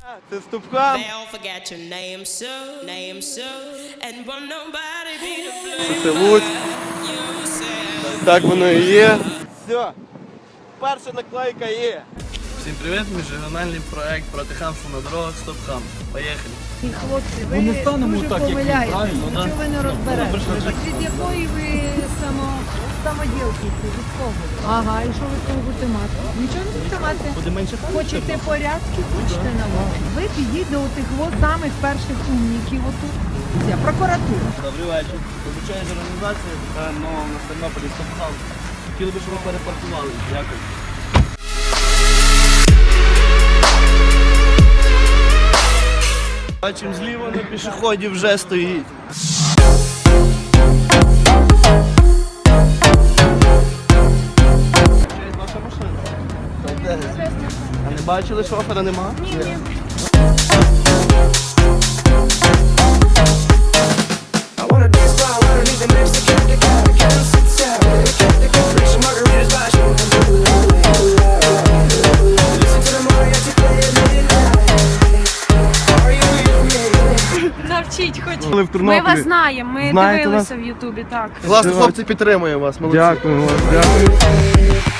Це Ступка. Це Луцьк. Так воно і є. Все. Перша наклейка є. Всім привіт, міжрегіональний проект проти хамства на дорогах «Стоп хам». Поїхали. Хлопці, ви дуже помиляєте, що ви не розберете. Від якої ви самоділки, від кого? Ага, і що ви з цього будете мати? Нічого не будете мати. Хочете порядки, хочете на вас. Ви підіть до отих самих перших умників отут. Це прокуратура. Добрий вечір. Обучаєш організація, яка нова на Тернополі «Стоп хам». Хотіли би, щоб ви перепаркували. Дякую. Бачимо, зліва на пішоході вже стоїть. Це ваша машина. А не бачили, шофера нема? Ні. Навчіть хоч. Ми вас знаємо, ми Знаєте дивилися в Ютубі, так. Класно, хлопці, підтримує вас. Молодці. Дякую.